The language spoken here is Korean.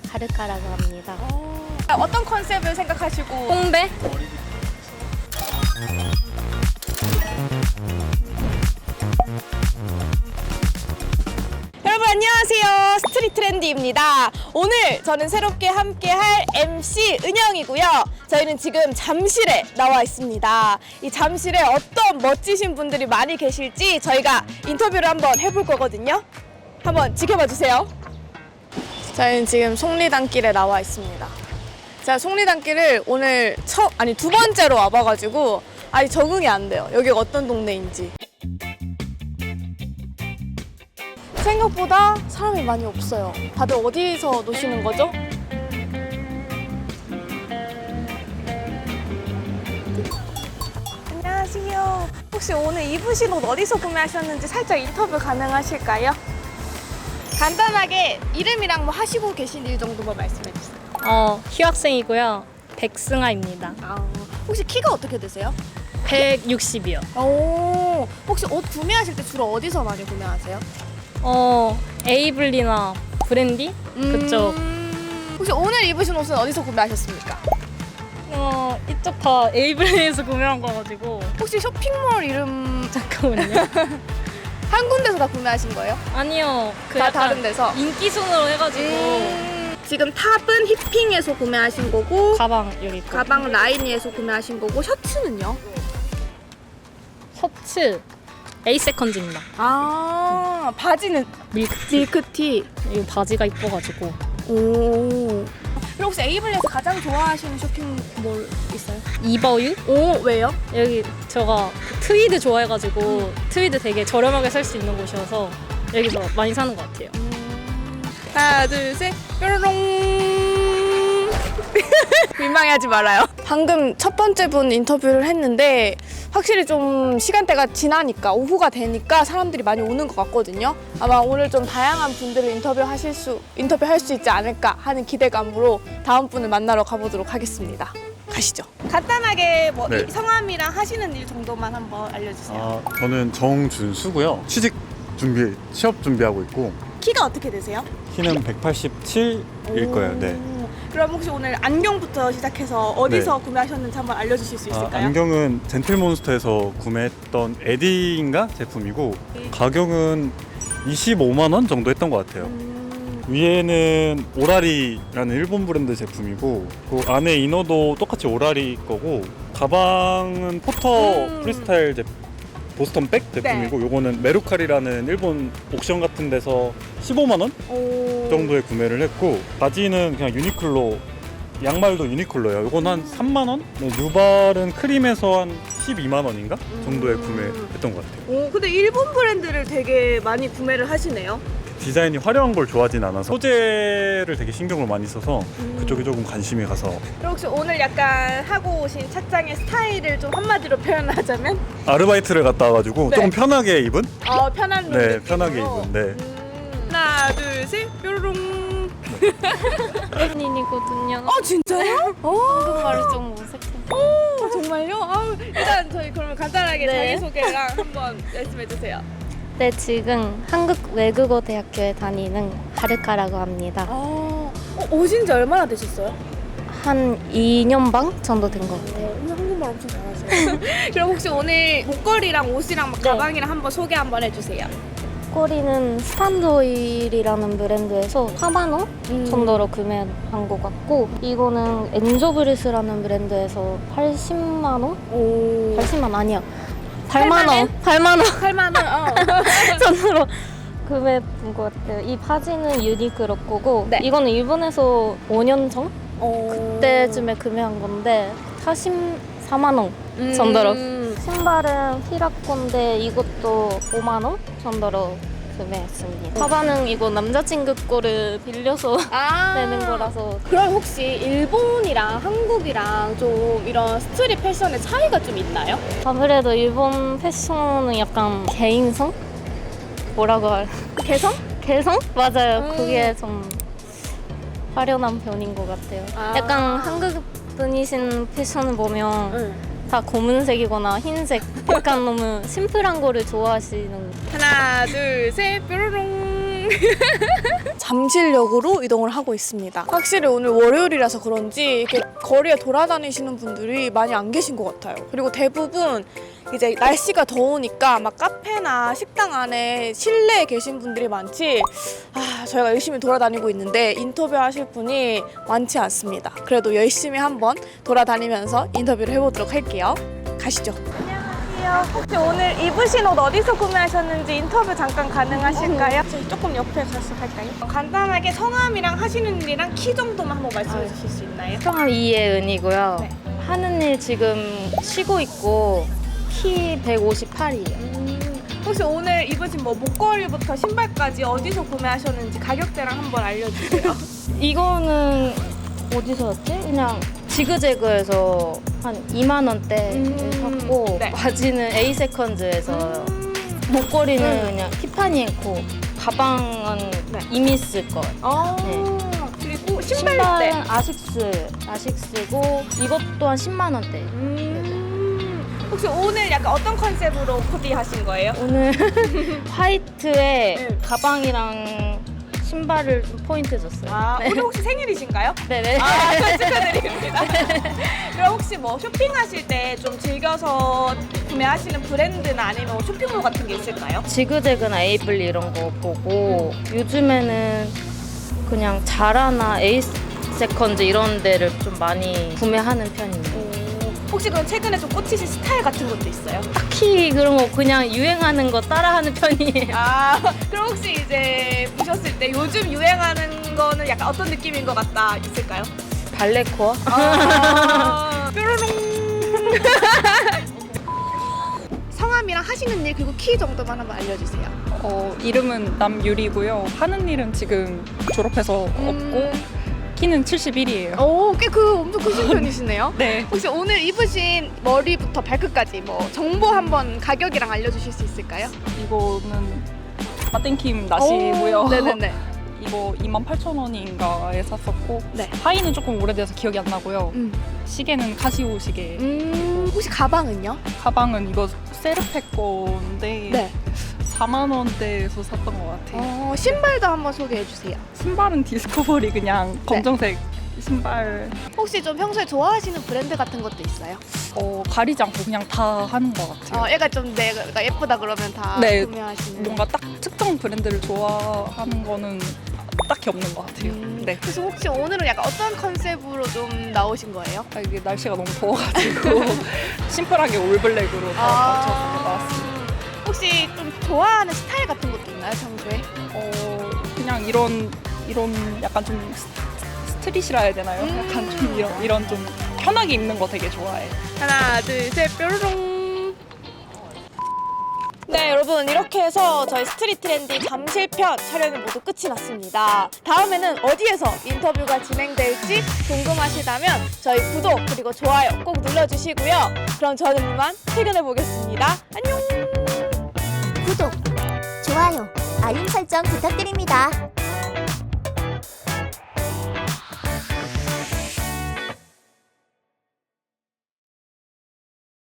하르카라고 합니다. 어떤 컨셉을 생각하시고? 홍배? 여러분 안녕하세요. 스트릿 트렌디입니다. 오늘 저는 새롭게 함께할 MC 은영이고요. 저희는 지금 잠실에 나와 있습니다. 이 잠실에 어떤 멋지신 분들이 많이 계실지 저희가 인터뷰를 한번 해볼 거거든요. 한번 지켜봐 주세요. 저희는 지금 속리단길에 나와 있습니다. 제가 속리단길을 오늘 두 번째로 와봐가지고 아직 적응이 안 돼요. 여기가 어떤 동네인지. 생각보다 사람이 많이 없어요. 다들 어디서 노시는 거죠? 안녕하세요. 혹시 오늘 입으신 옷 어디서 구매하셨는지 살짝 인터뷰 가능하실까요? 간단하게 이름이랑 뭐 하시고 계신 일 정도만 말씀해 주세요. 휴학생이고요. 백승아입니다. 혹시 키가 어떻게 되세요? 160이요. 오, 혹시 옷 구매하실 때 주로 어디서 많이 구매하세요? 에이블리나 브랜디? 그쪽. 혹시 오늘 입으신 옷은 어디서 구매하셨습니까? 이쪽 다 에이블리에서 구매한 거가지고. 혹시 쇼핑몰 이름 잠깐만요. 한 군데서 다 구매하신 거예요? 아니요. 다 약간 다른 데서? 인기 순으로 해가지고. 지금 탑은 힙핑에서 구매하신 거고 가방 여기 있고. 가방 라인이에서 구매하신 거고 셔츠는요? 셔츠 에이세컨즈입니다. 바지는 밀크티. 이 바지가 이뻐가지고. 오. 그럼 혹시 에이블리에서 가장 좋아하시는 쇼핑몰 있어요? 이버유? 오, 왜요? 여기 제가 트위드 좋아해가지고 트위드 되게 저렴하게 살 수 있는 곳이어서 여기서 많이 사는 것 같아요. 하나, 둘, 셋, 뾰로롱. 민망해하지 말아요. 방금 첫 번째 분 인터뷰를 했는데 확실히 좀 시간대가 지나니까 오후가 되니까 사람들이 많이 오는 것 같거든요. 아마 오늘 좀 다양한 분들을 인터뷰할 수 있지 않을까 하는 기대감으로 다음 분을 만나러 가보도록 하겠습니다. 가시죠. 간단하게 뭐 네. 성함이랑 하시는 일 정도만 한번 알려주세요. 저는 정준수고요. 취업 준비하고 있고 키가 어떻게 되세요? 키는 187일 거예요. 네. 그럼 혹시 오늘 안경부터 시작해서 어디서 구매하셨는지 한번 알려주실 수 있을까요? 안경은 젠틀몬스터에서 구매했던 에디인가 제품이고 가격은 25만 원 정도 했던 것 같아요. 위에는 오라리라는 일본 브랜드 제품이고 그 안에 이너도 똑같이 오라리 거고 가방은 포터 프리스타일 보스턴 백 제품이고 요거는 메루카리라는 일본 옥션 같은 데서 15만 원 정도에 구매를 했고 바지는 그냥 유니클로 양말도 유니클로예요. 요건 한 3만 원? 네, 뉴발은 크림에서 한 12만 원인가 정도에 구매했던 것 같아요. 오, 근데 일본 브랜드를 되게 많이 구매를 하시네요. 디자인이 화려한 걸 좋아하진 않아서 소재를 되게 신경을 많이 써서 그쪽에 조금 관심이 가서. 그럼 혹시 오늘 약간 하고 오신 착장의 스타일을 좀 한마디로 표현하자면? 아르바이트를 갔다 와가지고 네. 조금 편하게 입은? 편한 룩 네, 느낌으로. 편하게 입은. 네. 하나, 둘, 셋, 뾰로롱. 혜린이거든요. 진짜요? 한국말이 좀 어색해. 정말요? 일단 저희 그러면 간단하게 네. 자기소개랑 한번 말씀해주세요. 네, 지금 한국외국어대학교에 다니는 하르카라고 합니다. 오신 지 얼마나 되셨어요? 한 2년 반 정도 된 것 같아요. 오늘 한국말 엄청 잘하세요. 그럼 혹시 오늘 목걸이랑 옷이랑 막 네. 가방이랑 한번 소개 한번 해주세요. 꼬리는 스탄드오일이라는 브랜드에서 4만 원 정도로 구매한 것 같고 이거는 엔조브리스라는 브랜드에서 80만 원? 80만 원 아니야. 8만 원. 8만 원 8만 원. 정도로 구매한 것 같아요. 이 바지는 유니클로 거고 네. 이거는 일본에서 5년 전? 그때 그때쯤에 구매한 건데 44만 원 정도로. 신발은 히라콘데 이것도 5만 원 정도로 구매했습니다. 가방은 이거 남자친구 거를 빌려서 내는 거라서. 그럼 혹시 일본이랑 한국이랑 좀 이런 스트릿 패션의 차이가 좀 있나요? 아무래도 일본 패션은 약간 개인성? 뭐라고 할? 개성? 개성? 맞아요. 그게 좀 화려한 편인 것 같아요. 약간 한국 분이신 패션을 보면 다 검은색이거나 흰색 약간 너무 심플한 거를 좋아하시는. 하나 둘 셋 뾰로롱. 잠실역으로 이동을 하고 있습니다. 확실히 오늘 월요일이라서 그런지 이렇게 거리에 돌아다니시는 분들이 많이 안 계신 것 같아요. 그리고 대부분 이제 날씨가 더우니까 막 카페나 식당 안에 실내에 계신 분들이 많지, 저희가 열심히 돌아다니고 있는데 인터뷰하실 분이 많지 않습니다. 그래도 열심히 한번 돌아다니면서 인터뷰를 해보도록 할게요. 가시죠. 안녕하세요. 혹시 오늘 입으신 옷 어디서 구매하셨는지 인터뷰 잠깐 가능하실까요? 저희 조금 옆에 가서 할까요? 간단하게 성함이랑 하시는 일이랑 키 정도만 한번 말씀해 주실 수 있나요? 성함 이예은이고요. 네. 하는 일 지금 쉬고 있고 키 158이에요. 혹시 오늘 입으신 뭐 목걸이부터 신발까지 어디서 구매하셨는지 가격대랑 한번 알려주세요. 이거는 어디서였지? 그냥 지그재그에서 한 2만 원대에 샀고 네. 바지는 에이세컨즈에서 목걸이는 그냥 티파니 앤코, 가방은 네. 이미스 거. 네. 그리고 신발대. 신발은 아식스고 이것 또한 10만 원대. 혹시 오늘 약간 어떤 컨셉으로 코디 하신 거예요? 오늘 화이트에 네. 가방이랑 신발을 좀 포인트 줬어요. 네. 오늘 혹시 생일이신가요? 네네. 축하드립니다. 그럼 혹시 뭐 쇼핑하실 때 좀 즐겨서 구매하시는 브랜드나 아니면 뭐 쇼핑몰 같은 게 있을까요? 지그재그나 에이블리 이런 거 보고 요즘에는 그냥 자라나 에이세컨즈 이런 데를 좀 많이 구매하는 편이에요. 혹시 그럼 최근에 좀 꽂히신 스타일 같은 것도 있어요? 딱히 그런 거 그냥 유행하는 거 따라하는 편이에요. 그럼 혹시 이제 보셨을 때 요즘 유행하는 거는 약간 어떤 느낌인 것 같다 있을까요? 발레코어? 뾰로롱. 성함이랑 하시는 일 그리고 키 정도만 한번 알려주세요. 이름은 남유리고요. 하는 일은 지금 졸업해서 없고 키는 71이에요. 오, 꽤 엄청 크신 편이시네요. 네. 혹시 오늘 입으신 머리부터 발끝까지 뭐 정보 한번 가격이랑 알려주실 수 있을까요? 이거는 마땡킴 나시고요. 오, 네네네. 이거 28,000원인가에 샀었고 네. 하의는 조금 오래돼서 기억이 안 나고요. 시계는 카시오 시계. 혹시 가방은요? 가방은 이거 세르팩 건데 네. 4만 원대에서 샀던 것 같아요. 신발도 한번 소개해 주세요. 신발은 디스커버리 그냥 검정색 신발. 혹시 좀 평소에 좋아하시는 브랜드 같은 것도 있어요? 가리지 않고 그냥 다 하는 것 같아요. 얘가 좀 내가 예쁘다 그러면 다 네, 구매하시는. 뭔가 딱 특정 브랜드를 좋아하는 거는 딱히 없는 것 같아요. 네. 그래서 혹시 오늘은 약간 어떤 컨셉으로 좀 나오신 거예요? 이게 날씨가 너무 더워가지고 심플하게 올블랙으로 다 맞춰서 나왔습니다. 혹시 좀 좋아하는 스타일 같은 것도 있나요, 평소에? 그냥 이런 약간 좀 스트릿이라 해야 되나요? 약간 좀 이런 좀 편하게 입는 거 되게 좋아해. 하나, 둘, 셋, 뾰로롱. 네, 여러분 이렇게 해서 저희 스트릿 트렌디 잠실편 촬영이 모두 끝이 났습니다. 다음에는 어디에서 인터뷰가 진행될지 궁금하시다면 저희 구독 그리고 좋아요 꼭 눌러주시고요. 그럼 저는 이만 퇴근해 보겠습니다. 안녕. 구독, 좋아요, 알림 설정 부탁드립니다.